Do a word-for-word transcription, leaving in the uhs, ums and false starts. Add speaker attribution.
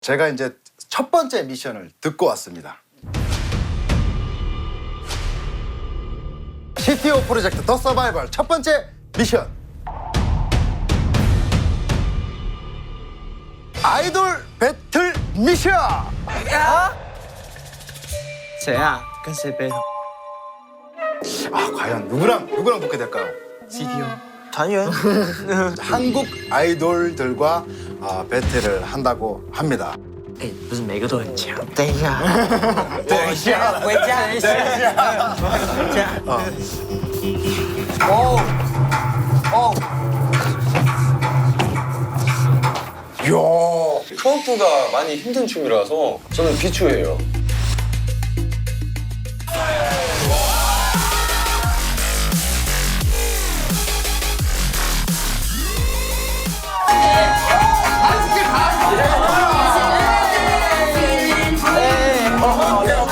Speaker 1: 제가 이제 첫 번째 미션을 듣고 왔습니다. 씨티오 프로젝트 더 서바이벌 첫 번째 미션. 아이돌 배틀 미션.
Speaker 2: 谁啊？跟谁 battle？
Speaker 1: 아, 과연 누구랑 누구랑 붙게 될까요?
Speaker 2: C T O 团员。
Speaker 1: 한국 아이돌들과 아, 배틀을 한다고 합니다.
Speaker 2: 哎，不是每个都很强。等一下，
Speaker 1: 等一下
Speaker 2: 回家，等一下，回家。
Speaker 1: 어. 어. 이야.
Speaker 3: 트워프가 많이 힘든 춤이라서 저는 비추예요.